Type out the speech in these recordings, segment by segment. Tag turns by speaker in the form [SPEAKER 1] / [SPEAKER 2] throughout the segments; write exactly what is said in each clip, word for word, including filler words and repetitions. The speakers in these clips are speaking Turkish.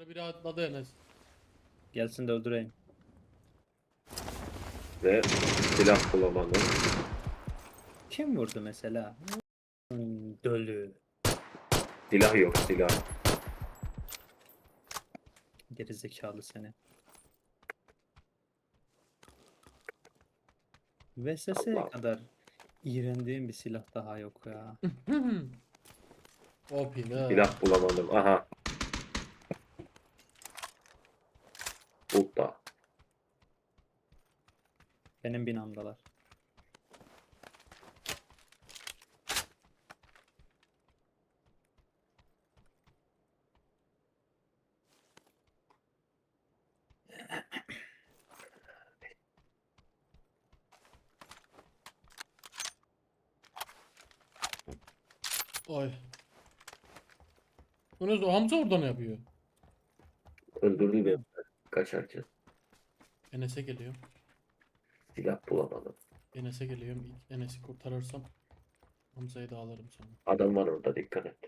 [SPEAKER 1] Yukarı biri atladı Enes.
[SPEAKER 2] Gelsin de öldüreyim.
[SPEAKER 3] Ve silah bulamadım.
[SPEAKER 2] Kim vurdu mesela? Hmm, Dölü.
[SPEAKER 3] Silah yok silah.
[SPEAKER 2] Gerizekalı seni. V S S'ye
[SPEAKER 3] Allah.
[SPEAKER 2] kadar iğrendiğim bir silah daha yok ya.
[SPEAKER 1] O pide.
[SPEAKER 3] Silah bulamadım. Aha. Burada.
[SPEAKER 2] Benim binamdalar.
[SPEAKER 1] Oy. Enes o Hamza orada ne yapıyor?
[SPEAKER 3] Öldürdü beni kaçarken.
[SPEAKER 1] Enes'e geliyor.
[SPEAKER 3] Silah bulamadım.
[SPEAKER 1] Enes'e geliyorum. İlk Enes'i kurtarırsam Hamza'yı da alırım sonra.
[SPEAKER 3] Adam var orada dikkat et.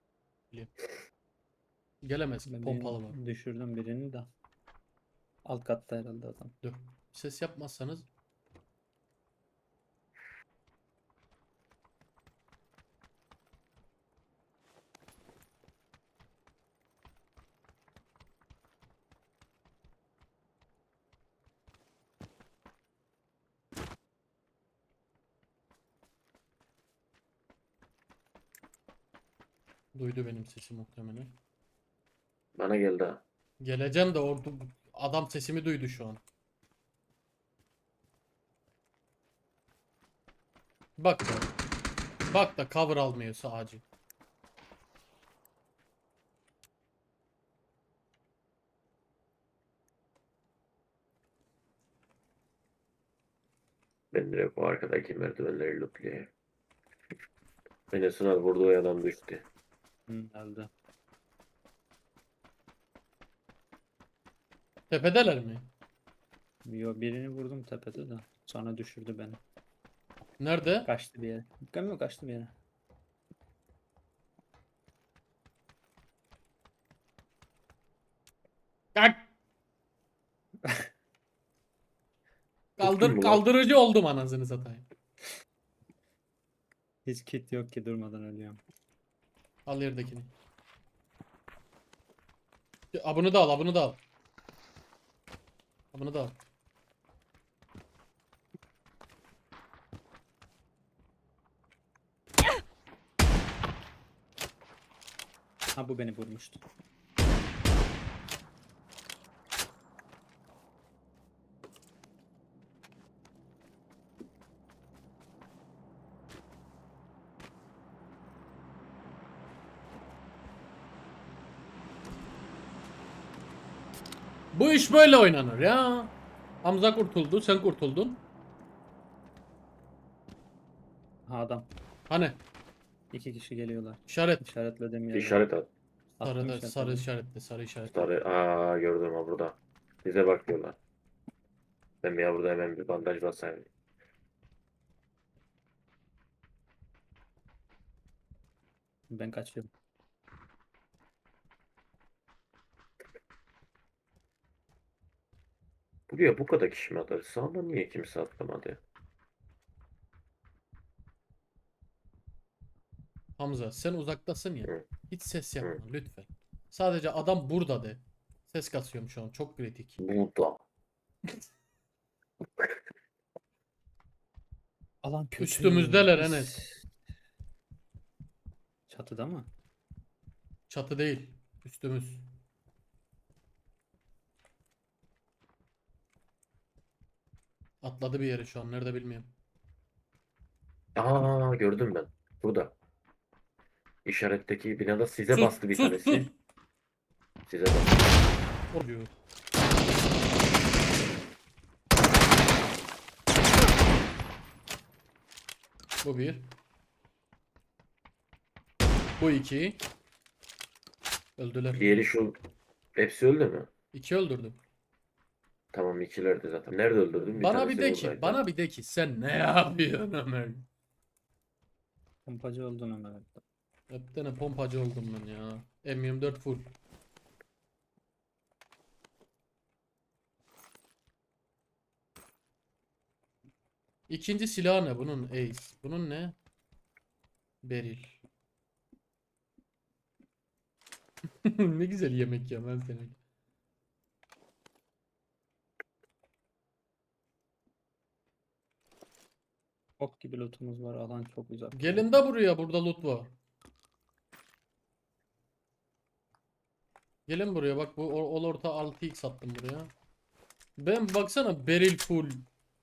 [SPEAKER 1] Gelemez ki
[SPEAKER 2] Ben
[SPEAKER 1] pompalı var.
[SPEAKER 2] birini düşürdüm birini de. Alt katta herhalde adam.
[SPEAKER 1] Dur. Ses yapmazsanız duydu benim sesi muhtemelen.
[SPEAKER 3] Bana geldi ha.
[SPEAKER 1] Geleceğim de orada adam sesimi duydu şu an. Bak da. Bak da cover almıyor sadece.
[SPEAKER 3] Ben direkt bu arkadaki merdivenleri lootlayayım. Enes'in abi vurduğu adam düştü.
[SPEAKER 2] Hı, öldü.
[SPEAKER 1] Tepedeler mi?
[SPEAKER 2] Yo, birini vurdum tepede de. Sonra düşürdü beni.
[SPEAKER 1] Nerede?
[SPEAKER 2] Kaçtı bir yere. Bilmiyorum, kaçtı bir yere.
[SPEAKER 1] Kalk.
[SPEAKER 3] Tuttun
[SPEAKER 1] Kaldır
[SPEAKER 3] mu lan?
[SPEAKER 1] kaldırıcı oldum anasını satayım.
[SPEAKER 2] Hiç kit yok ki, durmadan ölüyorum.
[SPEAKER 1] Al yerdekini. A bunu da al, a bunu da al. A bunu da al.
[SPEAKER 2] Ha, bu beni vurmuştu.
[SPEAKER 1] Bu iş böyle oynanır ya. Hamza kurtuldu, sen kurtuldun.
[SPEAKER 2] Ha, adam.
[SPEAKER 1] Hani
[SPEAKER 2] İki kişi geliyorlar.
[SPEAKER 1] işaret.
[SPEAKER 2] İşaretlediğim yerde.
[SPEAKER 3] İşaret at.
[SPEAKER 2] Attım
[SPEAKER 1] Sarı da,
[SPEAKER 2] işaretledim.
[SPEAKER 1] sarı işaretle, sarı işaretle.
[SPEAKER 3] Sarı. Aa gördüm ha burada. Bize bakıyorlar. Ben ya burada hemen bir bandaj basayım.
[SPEAKER 2] Ben kaçıyorum.
[SPEAKER 3] Buraya bu kadar kişi mi atar? Sağda niye kimse atlamadı?
[SPEAKER 1] Hamza sen uzaktasın ya.
[SPEAKER 3] Hı,
[SPEAKER 1] Hiç ses
[SPEAKER 3] hı.
[SPEAKER 1] yapma lütfen. Sadece adam burada de. Ses kasıyorum şu an, çok kritik.
[SPEAKER 3] Burada.
[SPEAKER 2] Alan kötü.
[SPEAKER 1] Üstümüzdeler Enes.
[SPEAKER 2] Biz- Çatıda mı?
[SPEAKER 1] Çatı değil. Üstümüz. Atladı bir yere şu an. Nerede bilmiyorum.
[SPEAKER 3] Aa gördüm ben. Burada. İşaretteki binada size
[SPEAKER 1] Sus
[SPEAKER 3] bastı bir
[SPEAKER 1] sus
[SPEAKER 3] tanesi.
[SPEAKER 1] sus.
[SPEAKER 3] Size bastı.
[SPEAKER 1] Oluyor. Bu bir. Bu iki. Öldüler.
[SPEAKER 3] Diğeri şu. Hepsi öldü mü?
[SPEAKER 1] İki öldürdüm.
[SPEAKER 3] Tamam ikilerdi zaten. Nerede öldürdün? Bir
[SPEAKER 1] Bana
[SPEAKER 3] tanesi
[SPEAKER 1] bir de ki,
[SPEAKER 3] buradaydı.
[SPEAKER 1] bana bir de ki sen ne yapıyorsun Ömer?
[SPEAKER 2] Pompacı oldun Ömer.
[SPEAKER 1] Hep tane pompacı oldum ben ya. M yirmi dört full. İkinci silah ne bunun? Ace. Bunun ne? Beril. Ne güzel yemek ya ben seni.
[SPEAKER 2] Ok gibi lootumuz var. Alan çok uzak.
[SPEAKER 1] Gelin de buraya, burada loot var. Gelin buraya bak, bu ol ol orta altı x attım buraya. Ben baksana beril full.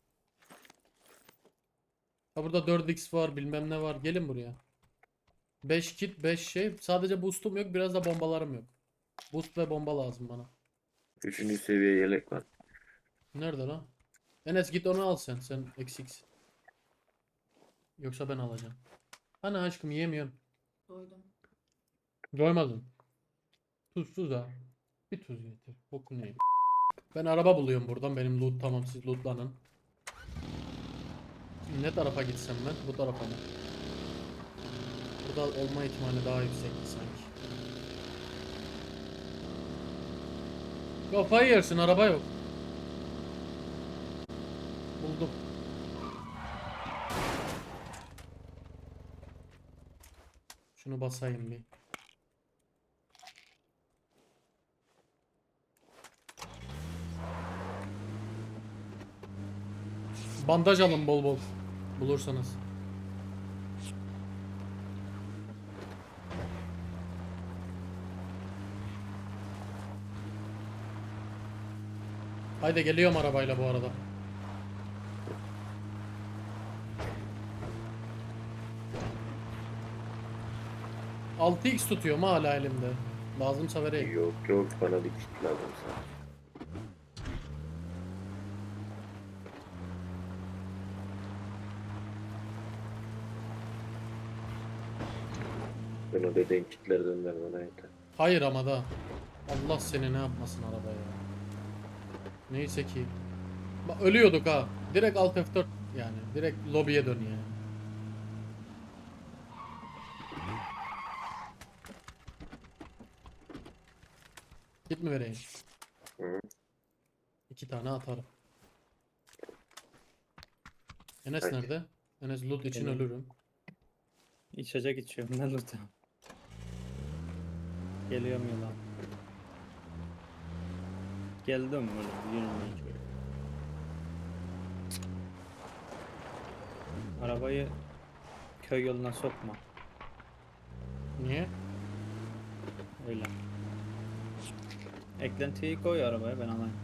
[SPEAKER 1] Ha burada dört x var, bilmem ne var. Gelin buraya. beş kit, beş şey. Sadece boost'um yok, biraz da bombalarım yok. Boost ve bomba lazım bana.
[SPEAKER 3] Üçüncü seviye yelek var.
[SPEAKER 1] Nerede lan? Enes git onu al sen. Sen eksiksin. Yoksa ben alacağım. Hani aşkım yemiyorum.
[SPEAKER 4] Doydum.
[SPEAKER 1] Doymadım. Tuzsuz ha. Bir tuz getir. Boku ne? Ben araba buluyorum buradan. Benim loot tamam, siz lootlanın. Şimdi ne tarafa gitsem ben? Bu tarafa mı? Burada olma ihtimali daha yüksekti sanki. Kafayı yersin, araba yok. Buldum. Şunu basayım bir. Bandaj alın bol bol. Bulursanız. Haydi geliyorum arabayla bu arada. altı x tutuyorum hala elimde. Lazımsa vereyim.
[SPEAKER 3] Yok yok, bana bir kit lazım sana. Ben o dediğin kitlerden ver bana yeter.
[SPEAKER 1] Hayır ama da. Allah seni ne yapmasın arabaya. Neyse ki. Bak ölüyorduk ha. Direkt Alt F dört yani. Direkt lobiye dön yani. Git mi vereyim?
[SPEAKER 3] Hı.
[SPEAKER 1] İki tane atarım. Enes
[SPEAKER 3] Peki.
[SPEAKER 1] nerede? Enes loot için
[SPEAKER 2] Benim.
[SPEAKER 1] ölürüm.
[SPEAKER 2] İçecek içiyorum ben lootum. Geliyorum yola. Geldim böyle yürümeye şöyle. Arabayı köy yoluna sokma.
[SPEAKER 1] Niye?
[SPEAKER 2] Öyle. Eklentiyi koy arabaya, ben alayım.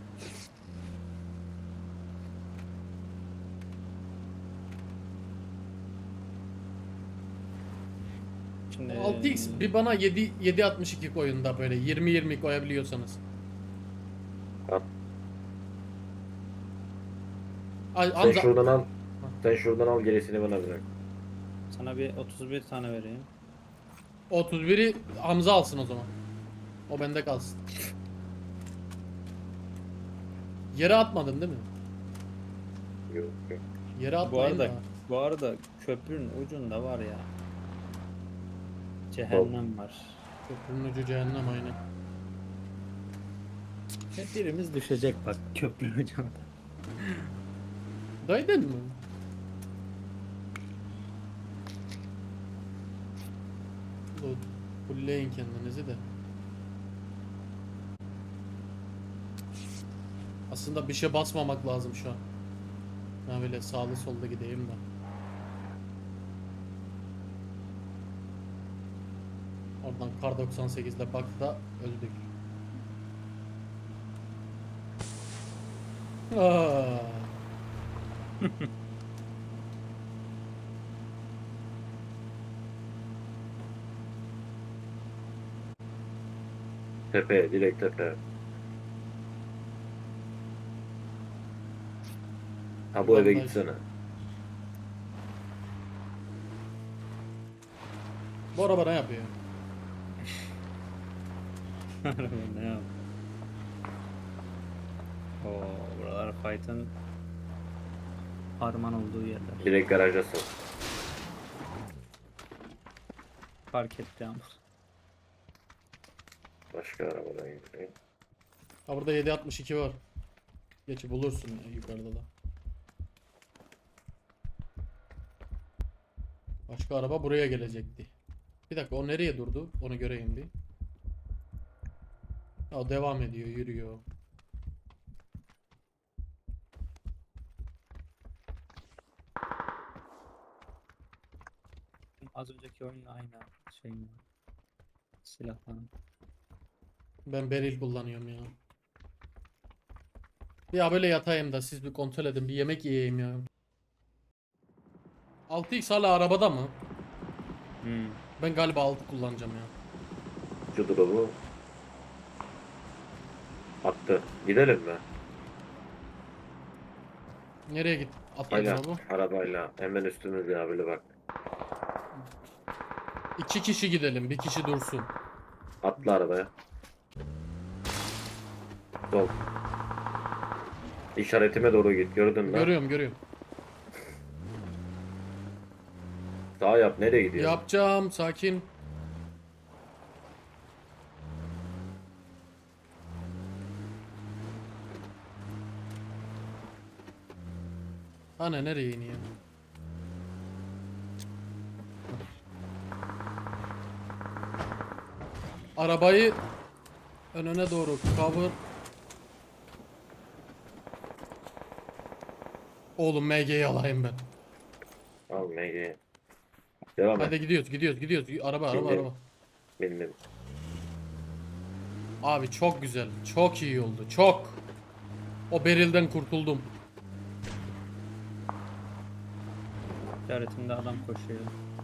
[SPEAKER 2] Şimdi
[SPEAKER 1] altı x bir bana yedi yedi altmış iki koyun da böyle yirmi yirmi koyabiliyorsanız.
[SPEAKER 3] Al.
[SPEAKER 1] Ay,
[SPEAKER 3] Sen
[SPEAKER 1] Hamza
[SPEAKER 3] şuradan al. Sen şuradan al, gerisini bana bırak.
[SPEAKER 2] sana bir otuz bir tane vereyim.
[SPEAKER 1] otuz biri Hamza alsın o zaman. O bende kalsın. Yere atmadın değil mi?
[SPEAKER 3] Yok yok.
[SPEAKER 1] Yere
[SPEAKER 2] Bu
[SPEAKER 1] atmayın
[SPEAKER 2] arada
[SPEAKER 1] da.
[SPEAKER 2] bu arada köprünün ucunda var ya. Cehennem var.
[SPEAKER 1] Köprünün ucu cehennem aynen.
[SPEAKER 2] Hep birimiz düşecek bak köprünün ucunda.
[SPEAKER 1] Daydın mı? Loot. Fullleyin kendinizi de. Aslında bir şey basmamak lazım şu an. Ben böyle sağlı solda gideyim de. Oradan kar doksan sekiz ile bak da öldük. Aa.
[SPEAKER 3] Tepe, direkt tepe. Ha bu eve
[SPEAKER 1] Bandaj.
[SPEAKER 3] gitsene.
[SPEAKER 1] Bu araba ne yapıyor?
[SPEAKER 2] Ne yap? Oo, buralar fight'ın harman olduğu yerler.
[SPEAKER 3] Direkt garajdasın.
[SPEAKER 2] Fark etti ama.
[SPEAKER 3] Başka arabadan gidiyor.
[SPEAKER 1] Ha burada yedi altmış iki var. Geçi bulursun ya yukarıda da. Başka araba buraya gelecekti. Bir dakika, o nereye durdu? Onu göreyim bir. Ya devam ediyor, yürüyor.
[SPEAKER 2] Az önceki oyunla aynı şey mi? Silah falan.
[SPEAKER 1] Ben beril kullanıyorum ya. Ya böyle yatayım da siz bir kontrol edin, bir yemek yiyeyim ya. altı x hala arabada mı?
[SPEAKER 2] Hmm.
[SPEAKER 1] Ben galiba altı kullanacağım ya.
[SPEAKER 3] Şu drop'u attı. Gidelim mi?
[SPEAKER 1] Nereye git? Atladın
[SPEAKER 3] Hala
[SPEAKER 1] bu.
[SPEAKER 3] arabayla hemen üstümüzde ya böyle bak.
[SPEAKER 1] İki kişi gidelim, bir kişi dursun.
[SPEAKER 3] Atla arabaya. Sol. İşaretime doğru git. Gördün mü?
[SPEAKER 1] Görüyorum, görüyorum.
[SPEAKER 3] Sağ yap. Nereye gidiyorsun?
[SPEAKER 1] Yapacağım, sakin. Ana nereye iniyor? Arabayı önüne doğru cover. Oğlum M G'yi alayım ben.
[SPEAKER 3] Al M G. Devam et.
[SPEAKER 1] Hadi gidiyoruz, gidiyoruz, gidiyoruz. Araba, araba,
[SPEAKER 3] Bindim.
[SPEAKER 1] araba.
[SPEAKER 3] Bindim.
[SPEAKER 1] Abi çok güzel, çok iyi oldu, çok. O berilden kurtuldum.
[SPEAKER 2] İşaretimde adam koşuyor.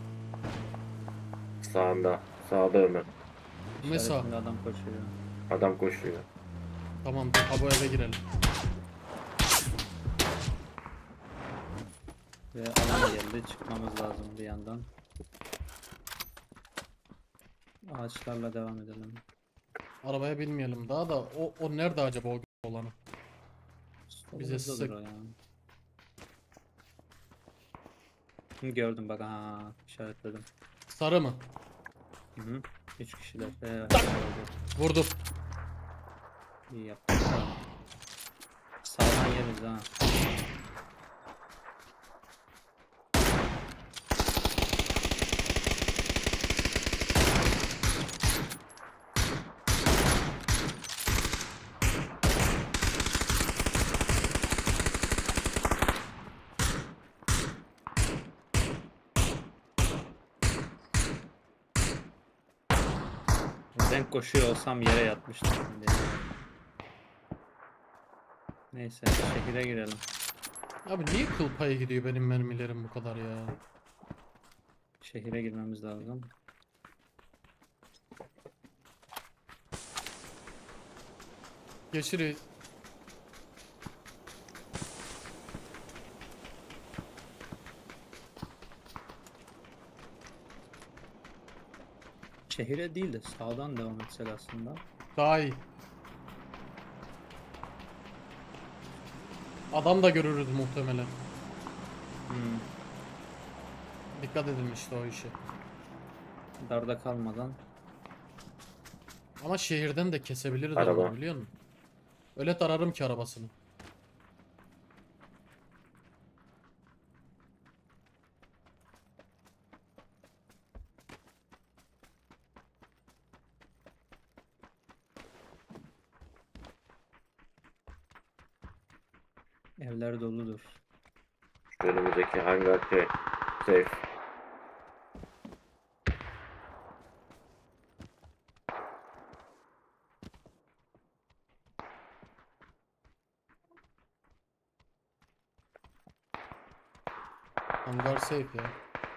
[SPEAKER 3] Sağında. Sağda Ömer.
[SPEAKER 1] Ne sağ?
[SPEAKER 2] İşaretimde adam koşuyor.
[SPEAKER 3] Adam koşuyor.
[SPEAKER 1] Tamam, dur, ha bu eve girelim.
[SPEAKER 2] Ve alan geldi. Çıkmamız lazım bir yandan. Ağaçlarla devam edelim.
[SPEAKER 1] Arabaya binmeyelim daha da. O, o nerede acaba o olanı? Bize
[SPEAKER 2] Solumuzdadır
[SPEAKER 1] sık.
[SPEAKER 2] o ya. Hı, gördüm bak, ha işaretledim.
[SPEAKER 1] Sarı mı?
[SPEAKER 2] Hı hı. Üç kişiler. Evet, gördüm.
[SPEAKER 1] Vurdum.
[SPEAKER 2] İyi yaptın. Sağdan yeriz ha. Ben koşuyor olsam yere yatmıştım şimdi. Neyse, şehire girelim.
[SPEAKER 1] Abi niye kıl payı gidiyor benim mermilerim bu kadar ya?
[SPEAKER 2] Şehire girmemiz lazım.
[SPEAKER 1] Geçiriz.
[SPEAKER 2] Şehire değil de sağdan devam etsek aslında.
[SPEAKER 1] Daha iyi. Adam da görürüz muhtemelen.
[SPEAKER 2] Hmm.
[SPEAKER 1] Dikkat edin işte o işe.
[SPEAKER 2] Darda kalmadan.
[SPEAKER 1] Ama şehirden de kesebiliriz
[SPEAKER 3] Araba.
[SPEAKER 1] adamı, biliyor musun? Öyle tararım ki arabasını.
[SPEAKER 2] Evler doludur.
[SPEAKER 3] Şu önümüzdeki hangar şey. Safe.
[SPEAKER 1] Hangar safe ya.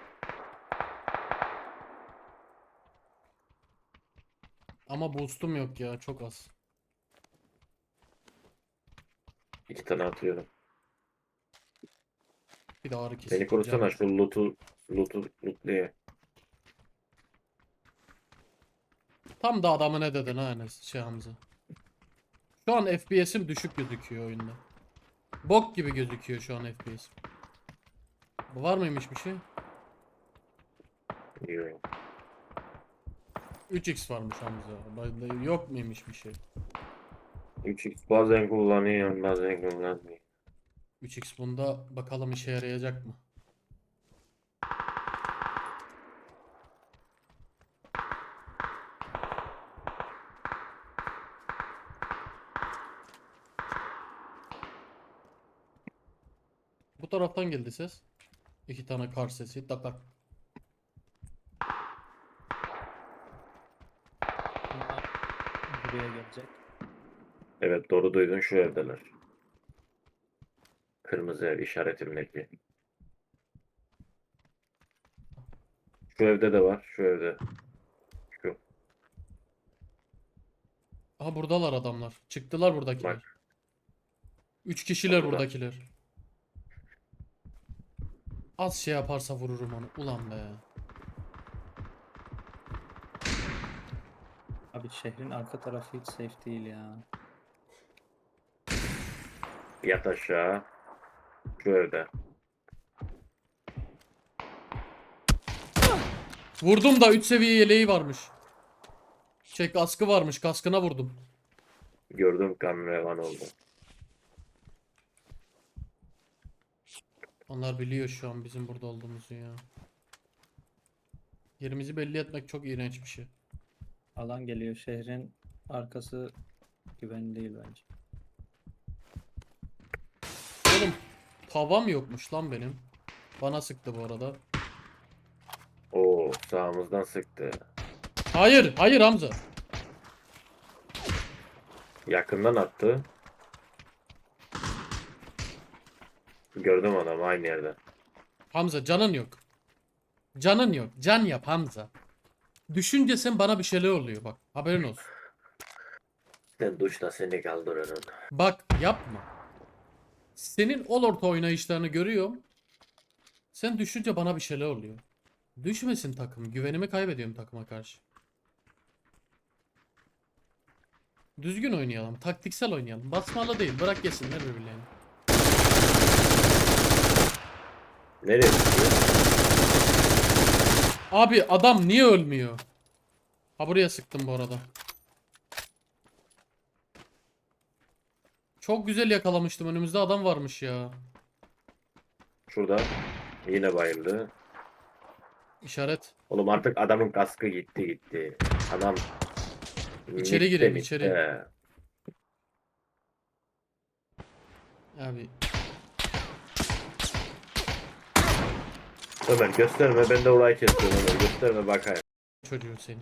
[SPEAKER 1] Ama boost'um yok ya, çok az.
[SPEAKER 3] İki tane atıyorum.
[SPEAKER 1] Bir de ağrı kesici.
[SPEAKER 3] Beni korusana şu loot'u loot'u loot'luya.
[SPEAKER 1] Tam da adamı ne dedin ha Enes, şey Hamza. Şu an F P S'im düşük gözüküyor oyunda. Bok gibi gözüküyor şu an F P S'im. Var mıymış bir şey?
[SPEAKER 3] Yok.
[SPEAKER 1] üç x varmış Hamza. Bende yok muymuş bir şey?
[SPEAKER 3] üç x bazen kullanıyorum bazen kullanmıyorum.
[SPEAKER 1] üç x bunda bakalım işe yarayacak mı? taraftan geldi ses. İki tane kar sesi. Takak.
[SPEAKER 2] Bunlar buraya gelecek.
[SPEAKER 3] Evet doğru duydun, şu evdeler. Kırmızı ev işaretimdeki. Şu evde de var. Şu evde. Şu.
[SPEAKER 1] Aha buradalar adamlar. Çıktılar buradakiler.
[SPEAKER 3] Bak.
[SPEAKER 1] Üç kişiler
[SPEAKER 3] Burada.
[SPEAKER 1] buradakiler. Az şey yaparsa vururum onu. Ulan be.
[SPEAKER 2] Abi şehrin arka tarafı hiç safe değil ya.
[SPEAKER 3] Yat aşağı. Şu evde.
[SPEAKER 1] Vurdum da üç seviye yeleği varmış. Şey kaskı varmış. Kaskına vurdum.
[SPEAKER 3] Gördüm, kan revan oldu.
[SPEAKER 1] Onlar biliyor şu an bizim burada olduğumuzu ya. Yerimizi belli etmek çok iğrenç bir şey.
[SPEAKER 2] Alan geliyor. Şehrin arkası güvenli değil bence.
[SPEAKER 1] Oğlum tavam yokmuş lan benim. Bana sıktı bu arada.
[SPEAKER 3] Oo, sağımızdan sıktı.
[SPEAKER 1] Hayır, hayır Hamza.
[SPEAKER 3] Yakından attı. Gördüm adamı aynı yerde.
[SPEAKER 1] Hamza canın yok. Canın yok. Can yap Hamza. Düşünce sen bana bir şeyler oluyor bak. Haberin olsun.
[SPEAKER 3] Sen duşta seni kaldırırım.
[SPEAKER 1] Bak yapma. Senin ol orta oynayışlarını görüyorum. Sen düşünce bana bir şeyler oluyor. Düşmesin takım. Güvenimi kaybediyorum takıma karşı. Düzgün oynayalım. Taktiksel oynayalım. Basmalı değil. Bırak yesinler birbirlerini.
[SPEAKER 3] Nereye gidiyor?
[SPEAKER 1] Abi adam niye ölmüyor? Ha buraya sıktım bu arada. Çok güzel yakalamıştım. Önümüzde adam varmış ya.
[SPEAKER 3] Şurada. Yine bayıldı.
[SPEAKER 1] İşaret.
[SPEAKER 3] Oğlum artık adamın kaskı gitti gitti. Adam
[SPEAKER 1] İçeri
[SPEAKER 3] mitte,
[SPEAKER 1] girelim,
[SPEAKER 3] mitte.
[SPEAKER 1] içeri. Abi
[SPEAKER 3] Ömer gösterme, ben de orayı kesiyorum Ömer. Gösterme bakayım.
[SPEAKER 1] çocuğu seni.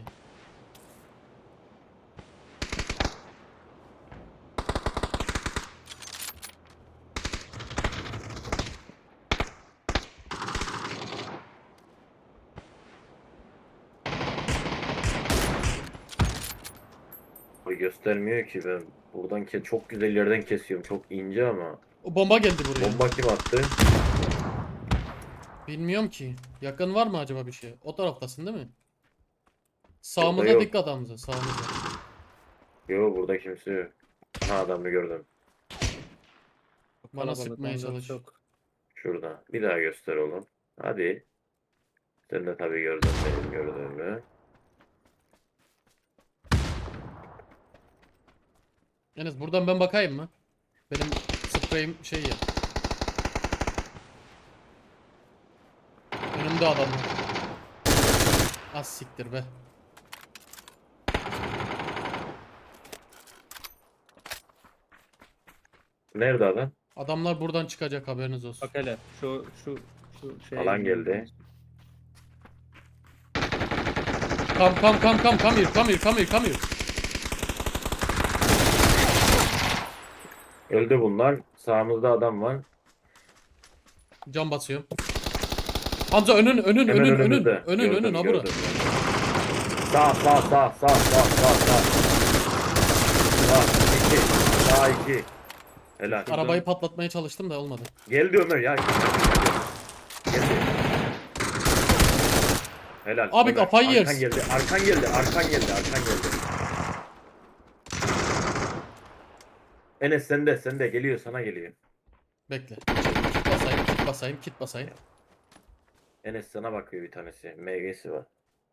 [SPEAKER 3] O göstermiyor ki, ben buradan ke çok güzel yerden kesiyorum. Çok ince ama.
[SPEAKER 1] O bomba geldi buraya.
[SPEAKER 3] Bomba kim attı?
[SPEAKER 1] Bilmiyorum ki. Yakın var mı acaba bir şey? O taraftasın değil mi?
[SPEAKER 3] Burada
[SPEAKER 1] Sağımıza
[SPEAKER 3] yok.
[SPEAKER 1] dikkat Hamza. Sağımıza.
[SPEAKER 3] Yok, burada kimse yok. Ha, adamı gördüm.
[SPEAKER 1] Bana
[SPEAKER 2] Kalabalık,
[SPEAKER 1] sıkmaya
[SPEAKER 2] on dört
[SPEAKER 1] çalış.
[SPEAKER 2] çok.
[SPEAKER 3] Şurada. Bir daha göster oğlum. Hadi. Sen de tabii gördün benim gördüğümü.
[SPEAKER 1] Enes buradan ben bakayım mı? Benim spreyim şey ya. Önümde adam var. Az siktir be.
[SPEAKER 3] Nerede adam?
[SPEAKER 1] Adamlar buradan çıkacak haberiniz olsun.
[SPEAKER 2] Bak hele şu şu şu şeye
[SPEAKER 3] Alan
[SPEAKER 2] girmemiz
[SPEAKER 3] geldi.
[SPEAKER 2] lazım.
[SPEAKER 1] Kam kam kam kam come here come here come here come here.
[SPEAKER 3] Öldü bunlar. Sağımızda adam var.
[SPEAKER 1] Can basıyorum. Hamza önün önün
[SPEAKER 3] Hemen
[SPEAKER 1] önün önün
[SPEAKER 3] önümüzde.
[SPEAKER 1] önün
[SPEAKER 3] Gördüm,
[SPEAKER 1] önün ha bura.
[SPEAKER 3] gördüm. Sağ sağ sağ sağ sağ sağ sağ. Sağ iki. Sağ iki. Helal.
[SPEAKER 1] Arabayı patlatmaya çalıştım da olmadı.
[SPEAKER 3] Geldi Ömer ya. Geldi. Helal.
[SPEAKER 1] Abi
[SPEAKER 3] Ömer,
[SPEAKER 1] kafayı
[SPEAKER 3] arkan
[SPEAKER 1] yersin.
[SPEAKER 3] geldi. Arkan geldi. Arkan geldi. Arkan geldi. Enes sende. Sende. Geliyor. Sana geliyor.
[SPEAKER 1] Bekle. Kit basayım, kit basayım, kit basayım.
[SPEAKER 3] Enes sana bakıyor bir tanesi. M G'si var.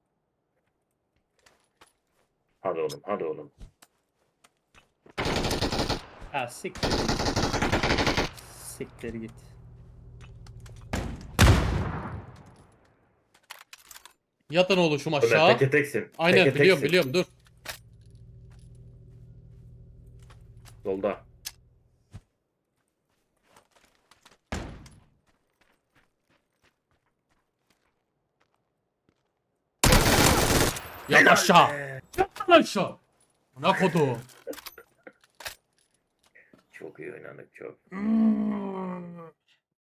[SPEAKER 3] Hadi oğlum. Hadi oğlum.
[SPEAKER 2] Ha siktir. Siktir git.
[SPEAKER 1] Yatın oluşum
[SPEAKER 3] Ömer
[SPEAKER 1] aşağı.
[SPEAKER 3] teke teksin.
[SPEAKER 1] Aynen
[SPEAKER 3] Teke
[SPEAKER 1] biliyorum
[SPEAKER 3] teksin.
[SPEAKER 1] biliyorum dur.
[SPEAKER 3] Solda.
[SPEAKER 1] Yat
[SPEAKER 3] Helal
[SPEAKER 1] aşağı.
[SPEAKER 3] be.
[SPEAKER 1] Yat lan aşağı. Ne kodu?
[SPEAKER 3] Çok iyi oynadık çok.
[SPEAKER 1] Hmm.